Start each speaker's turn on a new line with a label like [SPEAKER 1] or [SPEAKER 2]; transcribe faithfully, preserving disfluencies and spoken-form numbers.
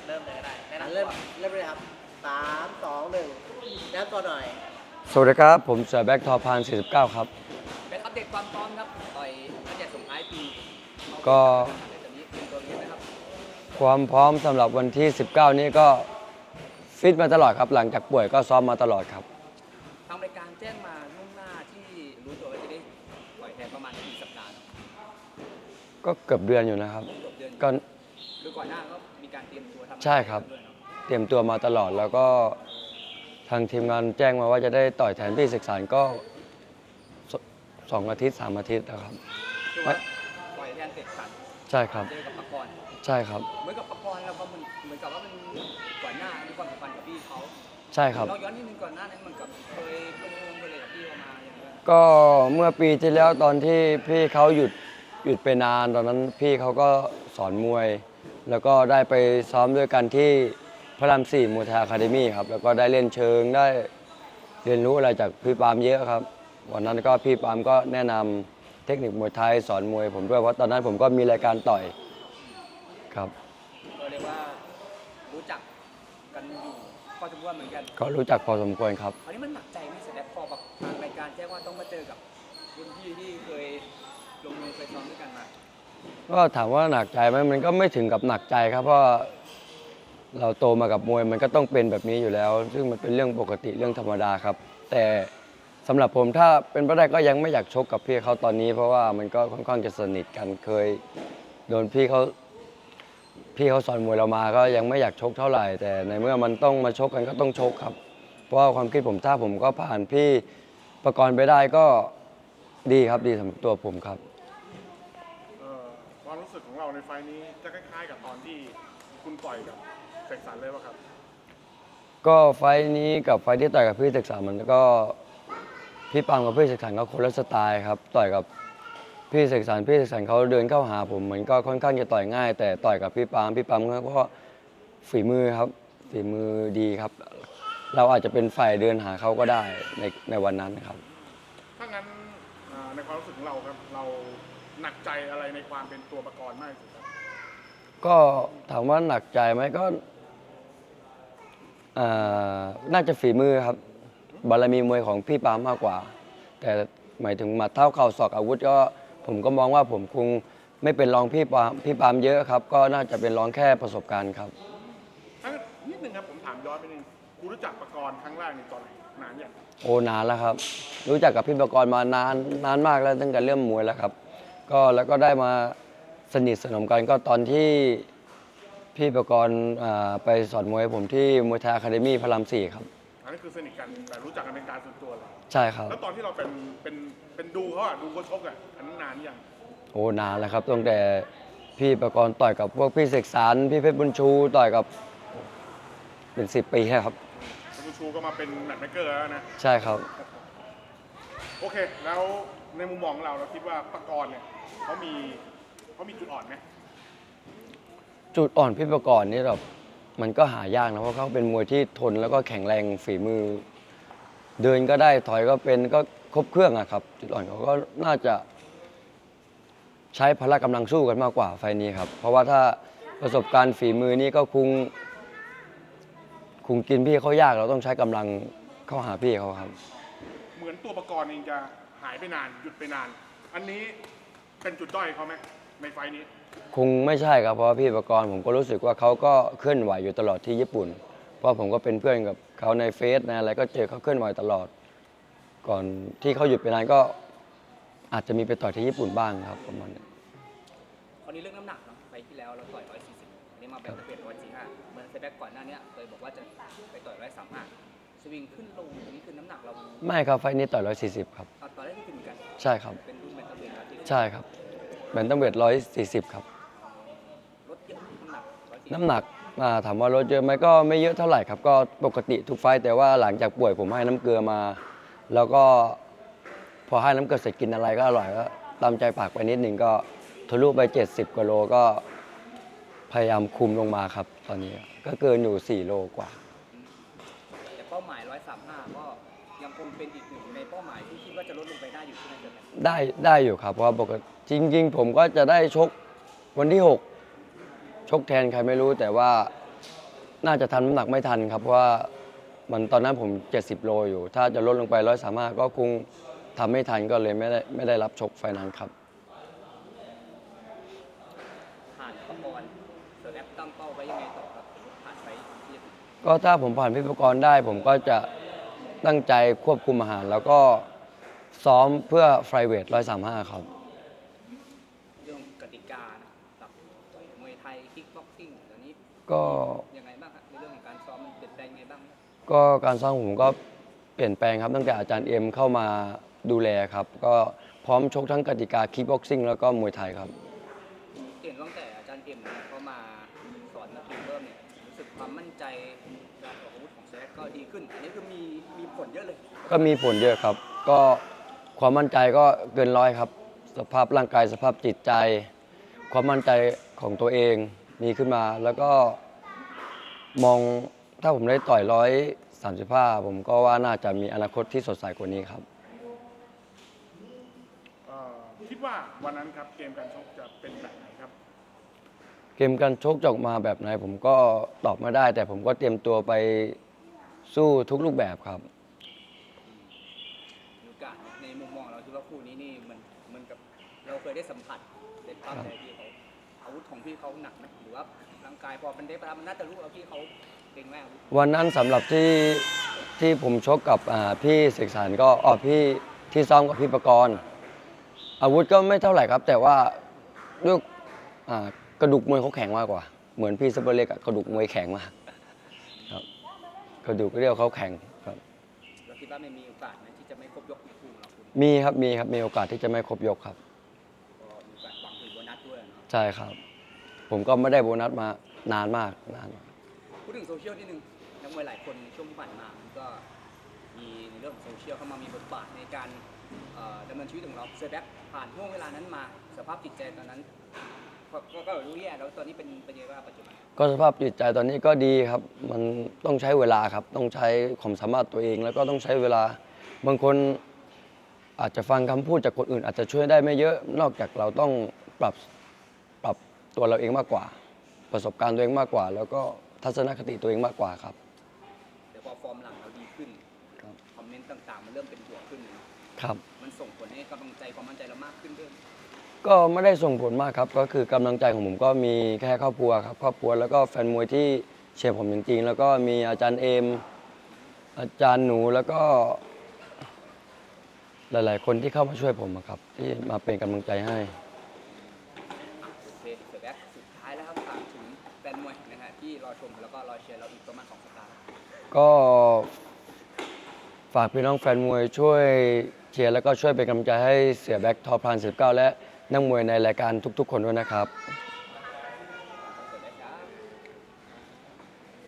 [SPEAKER 1] เริ่มเลยก็ได้แนะนำ
[SPEAKER 2] เริ่ม
[SPEAKER 1] ตัว
[SPEAKER 2] เริ่มเลยครับสามสองหนึ่งแนะนำตัวหน่อย
[SPEAKER 3] สวัสดีครับผมเสือแบ็คทอพานสี่สิบเก้าครับ
[SPEAKER 1] เป็นอัปเดตความพร้อมครับต่อยตั้งแต่ส่งท้ายปี
[SPEAKER 3] ก็
[SPEAKER 1] ตอนนี้เป็นตัวนี้นะครับ
[SPEAKER 3] ความพร้อมสำหรับวันที่ สิบเก้า นี้ก็ฟิตมาตลอดครับหลังจากป่วยก็ซ้อมมาตลอดครับ
[SPEAKER 1] ทางรายการแจ้งมาล่วงหน้าที่รู้ตัวว่าจะได้ต่อยแทนประมาณกี่สัปดาห์
[SPEAKER 3] ก็เกือบเดือนอยู่นะครับ
[SPEAKER 1] เกือบเดือน
[SPEAKER 3] ก็
[SPEAKER 1] หรือก่อนหน้าก็มีการเตรียมตัวทำ
[SPEAKER 3] ใช่ครับ
[SPEAKER 1] ด้วยเนอะ
[SPEAKER 3] เตรียมตัวมาตลอดแล้วก็ทางทีมงานแจ้งมาว่าจะได้ต่อยแทนพี่ศึกษาก็สสองอาทิตย์สามอาทิตย์นะครับ
[SPEAKER 1] คือว่าต่อยแทนเตะสัน
[SPEAKER 3] ใช่ครับ
[SPEAKER 1] เจอกับปะกรณ์
[SPEAKER 3] ใช่ครับ
[SPEAKER 1] เหมือนกับปะกรณ์เราก็เหมือนเหมือนกับว่ามันก่อนหน้ามีความสัมพันธ์กับพี่เขา
[SPEAKER 3] ใช่ครับ
[SPEAKER 1] เราย้อนนิดนึงก่อนหน้านั้นมันกับเคยลงลงไปเลยกับพี่เขามาอย่างเงี้ย
[SPEAKER 3] ก็เมื่อปีที่แล้วตอนที่พี่เขาหยุดหยุดไปนานตอนนั้นพี่เขาก็สอนมวย แล้วก็ได้ไปซ้อมด้วยกันที่พระรามสี่มวยไทยอะคาเดมี่ครับแล้วก็ได้เล่นเชิงได้เรียนรู้อะไรจากพี่ปามเยอะครับวันนั้นก็พี่ปามก็แนะนำเทคนิคมวยไทยสอนมวยผมด้วยเพราะตอนนั้นผมก็มีรายการต่อยครับ
[SPEAKER 1] ก็เรียกว่ารู้จักกันอยู่พอสมควรเหมือนกัน
[SPEAKER 3] ก็รู้จักพอสมควรครับ
[SPEAKER 1] คราวนี้มันหนักใจไหมเสร็จแล้วพอแบบทางรายการแจ้งว่าต้องมาเจอกับรุ่นพี่ที่เคยลงมือเคยซ้อมด้วยกันมา
[SPEAKER 3] ก็ถามว่าหนักใจไหมมันก็ไม่ถึงกับหนักใจครับเพราะเราโตมากับมวยมันก็ต้องเป็นแบบนี้อยู่แล้ว ซึ่งมันเป็นเรื่องปกติเรื่องธรรมดาครับ แต่สำหรับผมถ้าเป็นไปได้ก็ยังไม่อยากชกกับพี่เขาตอนนี้ เพราะว่ามันก็ค่อนข้างจะสนิทกันเคยโดนพี่เขาพี่เขาสอนมวยเรามาก็ยังไม่อยากชกเท่าไหร่ แต่ในเมื่อมันต้องมาชกกันก็ต้องชกครับ เพราะว่าความคิดผมถ้าผมก็ผ่านพี่ประกรณ์ไปได้ก็ดีครับดีสำหรับตัวผมครับ
[SPEAKER 4] เอ่อความรู้สึกของเราในไฟล์นี้จะคล้ายๆกับตอนที่คุณต่อยกับเสกสรรเลยป่ะครับ
[SPEAKER 3] ก็ไฟท์นี้กับไฟท์ที่ต่อยกับพี่ศึกษามันก็พี่ปังกับพี่ศึกษาก็คนละสไตล์ครับต่อยกับพี่ศึกษาพี่ศึกษาเขาเดินเข้าหาผมเหมือนก็ค่อนข้างจะต่อยง่าย แต่ต่อยกับพี่ปังพี่ปังก็ฝีมือครับฝีมือดีครับ เราอาจจะเป็นฝ่ายเดินหาเขาก็ได้ในในวันนั้นครับ
[SPEAKER 4] ถ้างั้นอ่าในความรู้สึกของเราครับ เราหนักใจอะไรในความเป็นตัวประกรณ์มากที่สุดครับ
[SPEAKER 3] ก็ถามว่าหนักใจไหมก็อ่าน่าจะฝีมือครับบารมีมวยของพี่ปามมากกว่า แต่หมายถึงหมัดเท้าเข่าศอกอาวุธก็ผมก็มองว่าผมคงไม่เป็นรองพี่ปามพี่ปามเยอะครับ ก็น่าจะเป็นรองแค่ประสบการณ์ครับ
[SPEAKER 4] ถ้างั้นนิดนึงครับผมถามย้อนไปนึงคุณรู้จักประกรณ์ครั้งแรกในตอนไหนนานอย่าง
[SPEAKER 3] โอ้นานแล้วครับ รู้จักกับพี่ประกรณ์มานานนานมากแล้วตั้งแต่เริ่มมวยแล้วครับ ก็แล้วก็ได้มาสนิทสนมกันก็ตอนที่พี่ประกรณ์อ่าไปสอนมวยให้ผมที่มวยไทยอะคาเดมี่พระรามสี่ครับ
[SPEAKER 4] อันนี้คือสนิทกันแต่รู้จักกันเป็นการส่วนตัวเลย
[SPEAKER 3] ใช่ครับ
[SPEAKER 4] แล้วตอนที่เราเป็นเป็นเป็นดูเขาอะดูเขาชกอะอันนั้นนานยัง
[SPEAKER 3] โอ้นานแล้วครับตั้งแต่พี่ประกรณ์ต่อยกับพวกพี่เสกสรรพี่เพชรบุญชูต่อยกับเป็นสิบปีแล้วครับ
[SPEAKER 4] คุณชูก็มาเป็นแมตช์เมกเกอร์แล้วนะ
[SPEAKER 3] ใช่ครับ
[SPEAKER 4] โอเค แล้วในมุมมองของเราเราคิดว่าประกรณ์เนี่ยเขามีเขามีจุดอ่อนไหม
[SPEAKER 3] จุดอ่อนพี่ประกรณ์นี่แบบมันก็หายากนะเพราะเขาเป็นมวยที่ทนแล้วก็แข็งแรงฝีมือ เดินก็ได้ถอยก็เป็นก็ครบเครื่องอะครับ จุดอ่อนเขาก็น่าจะใช้พละกำลังสู้กันมากกว่าไฟล์นี้ครับ เพราะว่าถ้าประสบการณ์ฝีมือนี้ก็คงคงกินพี่เขายากเราต้องใช้กำลังเข้าหาพี่เขาครับ
[SPEAKER 4] เหมือนตัวประกรณ์เองจะหายไปนานหยุดไปนาน อันนี้เป็นจุดด้อยเขาไหมในไฟล์นี้
[SPEAKER 3] คงไม่ใช่ครับเพราะว่าพี่ประกรณ์ผมก็รู้สึกว่าเขาก็เคลื่อนไหวอยู่ตลอดที่ญี่ปุ่น เพราะผมก็เป็นเพื่อนกับเขาในเฟซในอะไรก็เจอเขาเคลื่อนไหวตลอด ก่อนที่เขาหยุดไปนานก็อาจจะมีไปต่อยที่ญี่ปุ่นบ้างครับประมาณนี้
[SPEAKER 1] คราวนี้เรื่องน้ำหนักเนาะไปที่แล้วเราต่อยร้อยสี่สิบอันนี้มาเป็นเปลี่ยนร้อยสี่ห้าเหมือนเซแบ็กก่อนหน้านี้เคยบอกว่าจะไปต่อยร้อยสามห้าสวิงขึ้นลงอันนี้คือน้ำหนักเรา
[SPEAKER 3] ไม่ครับไฟล์นี้ต่อยร้อยสี่สิบครับ
[SPEAKER 1] เอาต่อได้ที่ถึงกัน
[SPEAKER 3] ใช่ครับ
[SPEAKER 1] เป็นรุ่นแบนตัมเวทแล้วที่
[SPEAKER 3] ใช่ครับแบนตัมเวทร้อยสี่สิบครับ
[SPEAKER 1] ลดเยอะน้ำหนักร้อยสี่สิบ
[SPEAKER 3] น้ำหนักอ่าถามว่าลดเยอะไหมก็ไม่เยอะเท่าไหร่ครับ ก็ปกติทุกไฟต์แต่ว่าหลังจากป่วยผมให้น้ำเกลือมา แล้วก็พอให้น้ำเกลือเสร็จกินอะไรก็อร่อยก็ตามใจปากไปนิดหนึ่งก็ทะลุไปเจ็ดสิบกว่าโลก็พยายามคุมลงมาครับ ตอนนี้ก็เกินอยู่สี่โลกว่า
[SPEAKER 1] แต่เป้าหมายร้อยสามห้าก็ยังคงเป็นอีกหนึ่งในเป้าหมายที่คิดว่าจะลดลงไปได้อยู่ที่นั่นเลย
[SPEAKER 3] ได้ได้อยู่ครับเพราะว่าปกติจริง ๆ ผมก็จะได้ชกวันที่หกชกแทนใครไม่รู้แต่ว่าน่าจะทำน้ำหนักไม่ทันครับเพราะว่ามันตอนนั้นผมเจ็ดสิบโลอยู่ ถ้าจะลดลงไปร้อยสามารถก็คงทำไม่ทันก็เลยไม่ได้ไม่ได้รับชกไฟนั้นครับ
[SPEAKER 1] ผ่านประกรณ์เสือแอปตั้งเป้าไว้ยังไงต่อครับผ่านไปที่
[SPEAKER 3] ก็ถ้าผมผ่านพิธีกรได้ ผมก็จะตั้งใจควบคุมอาหาร แล้วก็ซ้อมเพื่อไฟเวทร้อยสามห้าครับ
[SPEAKER 1] เรื่องกติกานะครับต่อยมวยไทยคิกบ็อกซิ่งตอนนี้
[SPEAKER 3] ก็
[SPEAKER 1] ยังไงบ้างครับในเรื่องของการซ้อมมันเปลี่ยนแปลงยังไงบ้างครับ
[SPEAKER 3] ก็การซ้อมผมก็เปลี่ยนแปลงครับตั้งแต่อาจารย์เอ็มเข้ามาดูแลครับ ก็พร้อมชกทั้งกติกาคิกบ็อกซิ่งแล้วก็มวยไทยครับ
[SPEAKER 1] เห็นตั้งแต่อาจารย์เอ็มเนี่ยเขามาสอนนักเรียนเริ่มเนี่ยรู้สึกความมั่นใจการออกอาวุธของเซฟก็ดีขึ้น อันนี้คือมีมีผลเยอะเลย
[SPEAKER 3] ก็มีผลเยอะครับ ก็ความมั่นใจก็เกินร้อยครับ สภาพร่างกายสภาพจิตใจ ความมั่นใจของตัวเองมีขึ้นมา แล้วก็มองถ้าผมได้ต่อยร้อยสามสิบห้าผมก็ว่าน่าจะมีอนาคตที่สดใสกว่านี้ครับ
[SPEAKER 4] เอ่อคิดว่าวันนั้นครับเกมการชกจะเป็นแบบไหนครับ
[SPEAKER 3] เกมการชกจะออกมาแบบไหนผมก็ตอบไม่ได้ แต่ผมก็เตรียมตัวไปสู้ทุกรูปแบบครับ
[SPEAKER 1] มีโอกาสในมุมมองเราคิดว่าคู่นี้นี่มันเหมันกับเราเคยได้สัมผัสได้ภาพใจพี่เขาอาวุธของพี่เขาหนักไหมหรือว่าร่างกายพอมันได้ประทับมันน่าจะรู้ว่าพี่เขาเก่งมาก
[SPEAKER 3] วันนั้นสำหรับที่ที่ผมชกกับอ่าพี่เสกสรรก็อ๋อพี่ที่ซ้อมกับพี่ประกรณ์อาวุธก็ไม่เท่าไหร่ครับ แต่ว่าด้วยอ่ากระดูกมวยเขาแข็งมากกว่า เหมือนพี่ซัปเปอร์เล็กอะกระดูกมวยแข็งมากครับกระดูกเรียวเขาแข็งครับ
[SPEAKER 1] เราคิดว่าไม่มีโอกาสไหมที่จะไม่ครบยกในคู่ของเราคุณ
[SPEAKER 3] มีครับมีครับมีโอกาสที่จะไม่ครบยกครับ
[SPEAKER 1] ก็มีโอกาสหวังถึงโบนัสด้วยเนาะ
[SPEAKER 3] ใช่ครับ ผมก็ไม่ได้โบนัสมานานมากนานมาก
[SPEAKER 1] พูดถึงโซเชียลนิดนึงนักมวยหลายคนในช่วงที่ผ่านมามันก็มีในเรื่องของโซเชียลเข้ามามีบทบาทในการเอ่อดำเนินชีวิตของเราเซอร์แบ็คผ่านห่วงเวลานั้นมาสภาพจิตใจตอนนั้นก็ก็ก็รู้แย่แล้วตอนนี้เป็นเป็นยังไงบ้างปัจจุบัน
[SPEAKER 3] ก็สภาพจิตใจตอนนี้ก็ดีครับ มันต้องใช้เวลาครับ ต้องใช้ความสามารถตัวเอง แล้วก็ต้องใช้เวลา บางคนอาจจะฟังคำพูดจากคนอื่น อาจจะช่วยได้ไม่เยอะ นอกจากเราต้องปรับปรับตัวเราเองมากกว่า ประสบการณ์ตัวเองมากกว่า แล้วก็ทัศนคติตัวเองมากกว่าครับ
[SPEAKER 1] เดี๋ยวพอฟอร์มหลังเราดีขึ้น
[SPEAKER 3] ครับ
[SPEAKER 1] คอมเมนต์ต่างๆ มันเริ่มเป็นบวกขึ้นเนอะ
[SPEAKER 3] ครับ
[SPEAKER 1] มันส่งผลให้กำลังใจความมั่นใจเรามากขึ้นด้วย
[SPEAKER 3] ก็ไม่ได้ส่งผลมากครับ ก็คือกำลังใจของผมก็มีแค่ครอบครัวครับ ครอบครัวแล้วก็แฟนมวยที่เชียร์ผมจริงๆ แล้วก็มีอาจารย์เอม อาจารย์หนูแล้วก็ หลายๆ คนที่เข้ามาช่วยผมอะครับ ที่มาเป็นกำลังใจให้
[SPEAKER 1] โอเคเสือแบ็คสุดท้ายแล้วครับฝากถึงแฟนมวยนะฮะที่รอชมแล้วก็รอเชียร์เราอีกประมาณสองสัปดาห์
[SPEAKER 3] ก็ฝากพี่น้องแฟนมวยช่วยเชียร์แล้วก็ช่วยเป็นกำลังใจให้เสียแบ็คทอพลานสิบเก้าและนักมวยในรายการทุกๆ คนด้วยนะครับ